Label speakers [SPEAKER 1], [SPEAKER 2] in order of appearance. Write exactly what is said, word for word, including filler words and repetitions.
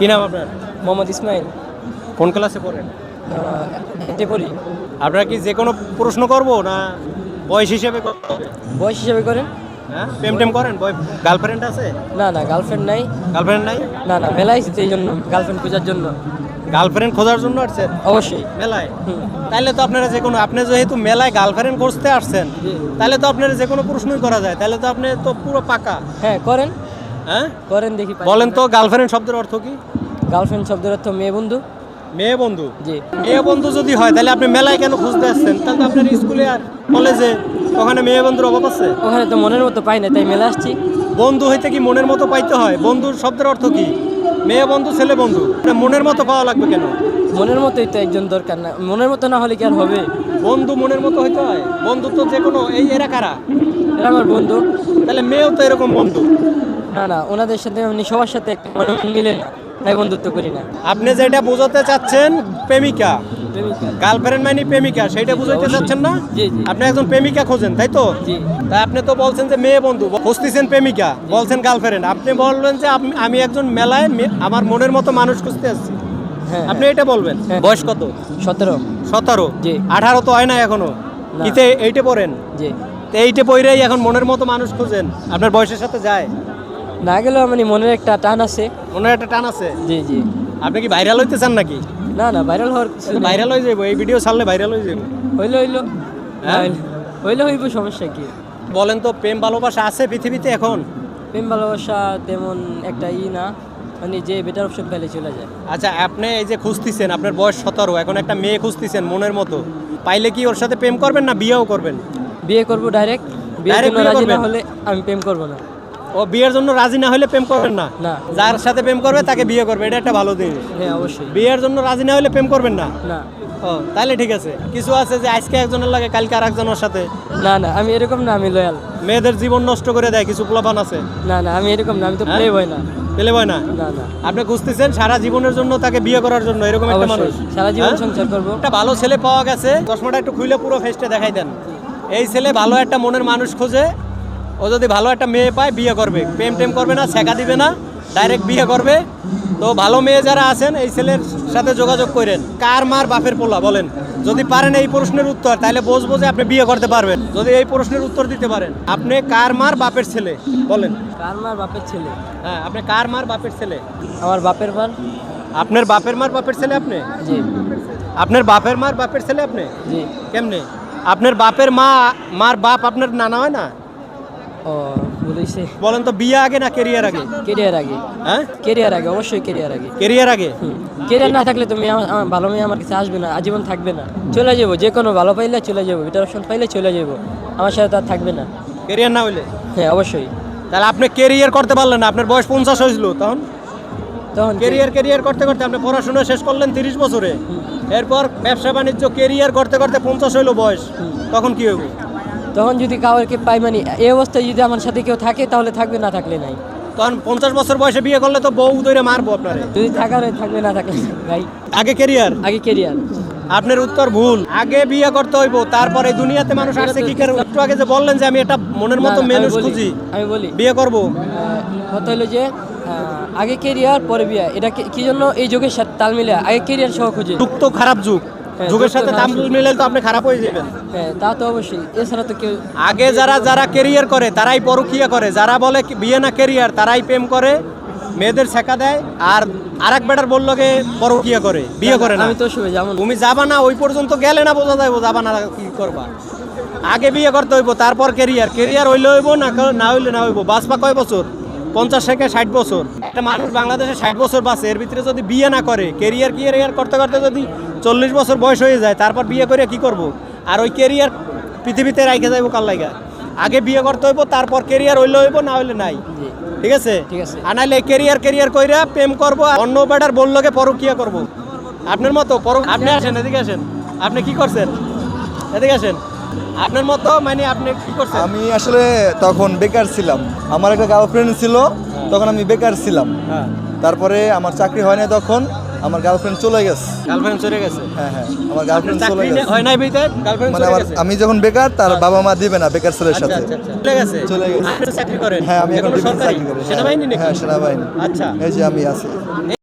[SPEAKER 1] কি নাম আপনার?
[SPEAKER 2] মোহাম্মদ ইসমাইল।
[SPEAKER 1] কোন ক্লাসে পড়েন?
[SPEAKER 2] এতে পড়ি।
[SPEAKER 1] আপনারা কি যে কোনো প্রশ্ন করব না বয়স হিসেবে করতে হবে?
[SPEAKER 2] বয়স হিসাবে করেন?
[SPEAKER 1] হ্যাঁ, প্রেম টেম করেন? বয় গার্লফ্রেন্ড আছে?
[SPEAKER 2] না না গার্লফ্রেন্ড নাই।
[SPEAKER 1] গার্লফ্রেন্ড নাই?
[SPEAKER 2] না না মেলায় এসেছি এই জন্য গার্লফ্রেন্ড খোঁজার জন্য।
[SPEAKER 1] গার্লফ্রেন্ড খোঁজার জন্য আসছেন?
[SPEAKER 2] অবশ্যই।
[SPEAKER 1] মেলায়? তাহলে তো আপনারা যে কোনো, আপনি যেহেতু মেলায় গার্লফ্রেন্ড খুঁজতে আসছেন, তাহলে তো আপনারা যে কোনো প্রশ্নই করা যায়, তাহলে তো আপনি তো পুরো পাকা।
[SPEAKER 2] হ্যাঁ করেন।
[SPEAKER 1] হ্যাঁ
[SPEAKER 2] করেন দেখি।
[SPEAKER 1] বলেন তো গার্লফ্রেন্ড শব্দের অর্থ কি?
[SPEAKER 2] গার্লফ্রেন্ড শব্দের অর্থ মেয়ে বন্ধু।
[SPEAKER 1] মেয়ে বন্ধু?
[SPEAKER 2] জি।
[SPEAKER 1] মেয়ে বন্ধু যদি হয় তাহলে আপনি মেলায় কেন খুঁজতে আসছেন? তাহলে তো আপনার স্কুলে আর কলেজে ওখানে মেয়ে বন্ধুর অভাব আছে।
[SPEAKER 2] ওখানে তো মনের মতো পাই না, তাই মেলা আসছি।
[SPEAKER 1] বন্ধু হইতে কি মনের মতো পাইতে হয়? বন্ধুর শব্দের অর্থ কি? মেয়ে বন্ধু ছেলে বন্ধু, মনের মতো পাওয়া লাগবে কেন?
[SPEAKER 2] মনের মতোই তো একজন দরকার, না মনের মতো না হলে কি আর হবে?
[SPEAKER 1] বন্ধু মনের মতো হইতে হয়? বন্ধু তো যে কোনো, এই এরা কারা?
[SPEAKER 2] এরা আমার বন্ধু।
[SPEAKER 1] তাহলে মেয়েও তো এরকম বন্ধু?
[SPEAKER 2] না না ওনাদের সাথে এমনি সবার সাথে একটা মনে মিলে না, তাই বন্ধুত্ব করি না।
[SPEAKER 1] আপনি যেটা বোঝাতে চাচ্ছেন প্রেমিকা,
[SPEAKER 2] প্রেমিকা।
[SPEAKER 1] গার্লফ্রেন্ড মানে প্রেমিকা, সেইটা বুঝাইতে চাচ্ছেন না?
[SPEAKER 2] জি জি।
[SPEAKER 1] আপনি একজন প্রেমিকা খোঁজেন, তাই তো?
[SPEAKER 2] জি।
[SPEAKER 1] তাই আপনি তো বলছেন যে মেয়ে বন্ধু, খুঁজতেছেন প্রেমিকা, বলছেন গার্লফ্রেন্ড, আপনি বলবেন যে আপ- আমি একজন মেলায় মে- আমার মনের মতো মানুষ খুঁজতে আসছি,
[SPEAKER 2] হ্যাঁ
[SPEAKER 1] আপনি এটা বলবেন।
[SPEAKER 2] হ্যাঁ।
[SPEAKER 1] বয়স কত?
[SPEAKER 2] সতেরো।
[SPEAKER 1] সতেরো?
[SPEAKER 2] জি।
[SPEAKER 1] আঠারো তো হয় না এখনো।
[SPEAKER 2] না।
[SPEAKER 1] কিতে এইটে পড়েন?
[SPEAKER 2] জি।
[SPEAKER 1] তো এইটে পড়েই এখন মনের মতো মানুষ খুঁজেন, আপনার বয়সের সাথে যায়?
[SPEAKER 2] না গেলেও মানে মনের একটা টান আছে।
[SPEAKER 1] মনের একটা টান আছে?
[SPEAKER 2] জি জি।
[SPEAKER 1] আপনি কি ভাইরাল হইতে চান নাকি?
[SPEAKER 2] না না ভাইরাল হওয়ার কিছু নেই।
[SPEAKER 1] ভাইরাল হয়ে যাবো, এই ভিডিও ছাড়লে ভাইরাল হয়ে যাবো।
[SPEAKER 2] হইলো হইলো।
[SPEAKER 1] হ্যাঁ?
[SPEAKER 2] হইলো হইব, সমস্যা কি?
[SPEAKER 1] বলেন তো প্রেম ভালোবাসা আছে পৃথিবীতে এখন?
[SPEAKER 2] প্রেম ভালোবাসা তেমন একটা ই না, মানে যে বেটার অপশন পেলে চলে যায়।
[SPEAKER 1] আচ্ছা, আপনি এই যে খুঁজতেছেন, আপনার বয়স সতেরো, এখন একটা মেয়ে খুঁজতেছেন মনের মতো, পাইলে কি ওর সাথে প্রেম করবেন না বিয়েও করবেন?
[SPEAKER 2] বিয়ে করব ডাইরেক্ট। বিয়ের
[SPEAKER 1] Direct
[SPEAKER 2] জন্য
[SPEAKER 1] বিয়ে
[SPEAKER 2] রাজি না
[SPEAKER 1] করবেন?
[SPEAKER 2] হলে আমি প্রেম করব না।
[SPEAKER 1] ও বিয়ের জন্য রাজি না হলে প্রেম করবেন না?
[SPEAKER 2] না।
[SPEAKER 1] যার সাথে প্রেম করবে তাকে বিয়ে করবে, এটা একটা ভালো জিনিস।
[SPEAKER 2] হ্যাঁ অবশ্যই।
[SPEAKER 1] বিয়ের জন্য রাজি না হলে প্রেম করবেন না?
[SPEAKER 2] না
[SPEAKER 1] ও তাহলে ঠিক আছে। কিছু আছে যে আজকে একজনের লাগে কালকে আর একজনের সাথে,
[SPEAKER 2] না না আমি এরকম না, আমি লয়াল।
[SPEAKER 1] মেয়েদের জীবন নষ্ট করে দেয় কিছু পোলাপান আছে।
[SPEAKER 2] না না আমি এরকম না, আমি তো
[SPEAKER 1] হ্যাঁ?
[SPEAKER 2] প্লে বয় না।
[SPEAKER 1] পেলে হয় না?
[SPEAKER 2] না না
[SPEAKER 1] আপনি খুঁজতেছেন সারা জীবনের জন্য তাকে বিয়ে করার জন্য, এরকম একটা মানুষ?
[SPEAKER 2] অবশ্যই সারা জীবন
[SPEAKER 1] হ্যাঁ?
[SPEAKER 2] সংসার করব।
[SPEAKER 1] একটা ভালো ছেলে পাওয়া গেছে, চশমাটা একটু খুলে পুরো ফেসটা দেখাই দেন। এই ছেলে ভালো একটা মনের মানুষ খোঁজে, ও যদি ভালো একটা মেয়ে পায় বিয়ে করবে, প্রেম টেম করবে না, ছেঁকা দিবে না, ডাইরেক্ট বিয়ে করবে। তো ভালো মেয়ে যারা আছেন এই ছেলের সাথে যোগাযোগ করেন। কার মার বাপের পোলা বলেন? যদি পারেন এই প্রশ্নের উত্তর, তাহলে বুঝবো যে আপনি বিয়ে করতে পারবেন। যদি এই প্রশ্নের উত্তর দিতে পারেন, আপনি কার মার বাপের ছেলে বলেন?
[SPEAKER 2] কার মার বাপের ছেলে?
[SPEAKER 1] হ্যাঁ, আপনি কার মার বাপের ছেলে?
[SPEAKER 2] আমার বাপের মার।
[SPEAKER 1] আপনার বাপের মার বাপের ছেলে আপনি?
[SPEAKER 2] জি
[SPEAKER 1] আপনার বাপের মার বাপের ছেলে আপনি?
[SPEAKER 2] জি।
[SPEAKER 1] কেমনে? আপনার বাপের মা মার বাপ আপনার নানা হয় না?
[SPEAKER 2] ও বলেছে।
[SPEAKER 1] বলেন তো বিয়ে আগে না কেরিয়ার আগে?
[SPEAKER 2] কেরিয়ার আগে।
[SPEAKER 1] হ্যাঁ,
[SPEAKER 2] কেরিয়ার আগে, অবশ্যই কেরিয়ার আগে।
[SPEAKER 1] কেরিয়ার আগে।
[SPEAKER 2] কেরিয়ার না থাকলে তুমি আমার আমার ভালো মেয়ে আমার কাছে আসবে না, আজীবন থাকবে না। চলে যাবো, যে কোনো ভালো পাইলে চলে যাবো, বেটার অপশন পাইলে চলে যাবো, আমার সাথে তার থাকবে না।
[SPEAKER 1] কেরিয়ার না হইলে?
[SPEAKER 2] হ্যাঁ অবশ্যই।
[SPEAKER 1] তাহলে আপনি কেরিয়ার করতে পারলেন না, আপনার বয়স পঞ্চাশ হয়েছিল তখন?
[SPEAKER 2] তখন
[SPEAKER 1] কেরিয়ার কেরিয়ার করতে করতে আপনি পড়াশোনা শেষ করলেন তিরিশ বছরে, এরপর ব্যবসা বাণিজ্য কেরিয়ার করতে করতে পঞ্চাশ হইলো বয়স, তখন কি হবে?
[SPEAKER 2] তখন যদি কাউকে পাই, মানে এই অবস্থায় যদি আমার সাথে কেউ থাকে তাহলে থাকবে, না থাকলে নাই।
[SPEAKER 1] তখন পঞ্চাশ বছর বয়সে বিয়ে করলে তো বউ ধরে মারবো আপনারে।
[SPEAKER 2] যদি থাকার হয় থাকবে, না থাকলে নাই। ভাই
[SPEAKER 1] আগে কেরিয়ার?
[SPEAKER 2] আগে কেরিয়ার।
[SPEAKER 1] আপনার উত্তর ভুল। আগে বিয়ে করতে হইব, তারপরে দুনিয়াতে মানুষ আসছে কি করে? একটু আগে যে বললেন যে আমি এটা মনের মতো
[SPEAKER 2] না, না, আমি
[SPEAKER 1] মানুষ
[SPEAKER 2] বলি-
[SPEAKER 1] খুঁজি,
[SPEAKER 2] আমি বলি
[SPEAKER 1] বিয়ে করব।
[SPEAKER 2] আহ, কথা হলো যে আহ, আগে কেরিয়ার পরে বিয়ে, এটা কি- কি জন্য এই যুগের সাথে তাল মিলে আগে কেরিয়ার সহ খুঁজে।
[SPEAKER 1] যুগ তো খারাপ যুগ,
[SPEAKER 2] হ্যাঁ,
[SPEAKER 1] যুগের
[SPEAKER 2] যুগ তো
[SPEAKER 1] সাথে
[SPEAKER 2] খারাপ
[SPEAKER 1] তাল
[SPEAKER 2] যুগ।
[SPEAKER 1] মিলালে তো আপনি খারাপ হয়ে যাবেন।
[SPEAKER 2] হ্যাঁ তা তো অবশ্যই, এছাড়া তো কেউ।
[SPEAKER 1] আগে যারা যারা কেরিয়ার করে তারাই পরকীয়া করে, যারা বলে কি বিয়ে না কেরিয়ার তারাই প্রেম করে, মেয়েদের শেখা দেয়, আর আরেক বেটার বললো গে পরকীয়া করে, বিয়ে করে না।
[SPEAKER 2] আমি তো শুনে যেমন
[SPEAKER 1] তুমি যাবা না, ওই পর্যন্ত গেলে না বোঝা যাইব যাবা না কি করবা। আগে বিয়ে করতে হইব, তারপর কেরিয়ার। কেরিয়ার হইলে হইব, না না হইলে না হইব। বাঁচবা কয় বছর? পঞ্চাশ থেকে ষাট বছর। একটা মানুষ বাংলাদেশে ষাট বছর বাঁচে, এর ভিতরে যদি বিয়ে না করে, কেরিয়ার কেরিয়ার করতে করতে যদি চল্লিশ বছর বয়স হয়ে যায়, তারপর বিয়ে করে কি করব? আর ওই কেরিয়ার পৃথিবীতে রাইখে যাইব কার লাইগা? আগে বিয়ে করতে হইব, তারপর কেরিয়ার হইলে হইব, না হইলে নাই।
[SPEAKER 2] জি
[SPEAKER 1] ঠিক আছে?
[SPEAKER 2] ঠিক আছে।
[SPEAKER 1] আর নাইলে কেরিয়ার কেরিয়ার কইরা প্রেম করবো, অন্য বেটার বললোকে পরকীয়া করব। আপনার মতো পর আপনি আসেন, এদিকে আসেন। আপনি কি করছেন? এদিকে আসেন। আপনার মতো মানে আপনি কি করছেন?
[SPEAKER 3] আমি আসলে তখন বেকার ছিলাম, আমার একটা গার্লফ্রেন্ড ছিল, তখন আমি বেকার ছিলাম।
[SPEAKER 1] হ্যাঁ,
[SPEAKER 3] তারপরে আমার চাকরি হয় না, তখন আমার গার্লফ্রেন্ড চলে গেছে।
[SPEAKER 1] গার্লফ্রেন্ড চলে গেছে?
[SPEAKER 3] হ্যাঁ হ্যাঁ আমার গার্লফ্রেন্ড চলে
[SPEAKER 1] চাকরি
[SPEAKER 3] গেছে।
[SPEAKER 1] হয় নাই বিতে গার্লফ্রেন্ড
[SPEAKER 3] মানে
[SPEAKER 1] চলে
[SPEAKER 3] আমার
[SPEAKER 1] গেছে?
[SPEAKER 3] আমি যখন বেকার, তার বাবা মা দিবে না বেকার ছেলের
[SPEAKER 1] আচ্ছা
[SPEAKER 3] সাথে।
[SPEAKER 1] আচ্ছা আচ্ছা, চলে গেছে?
[SPEAKER 3] চলে গেছে।
[SPEAKER 1] আপনি চাকরি করেন?
[SPEAKER 3] হ্যাঁ আমি এখন
[SPEAKER 1] এখনো
[SPEAKER 3] ডিফেন্স
[SPEAKER 1] সরকারি?
[SPEAKER 3] চাকরি করি।
[SPEAKER 1] সেনাবাহিনী নাকি?
[SPEAKER 3] হ্যাঁ সেনাবাহিনী।
[SPEAKER 1] আচ্ছা,
[SPEAKER 3] এই যে আমি আছি।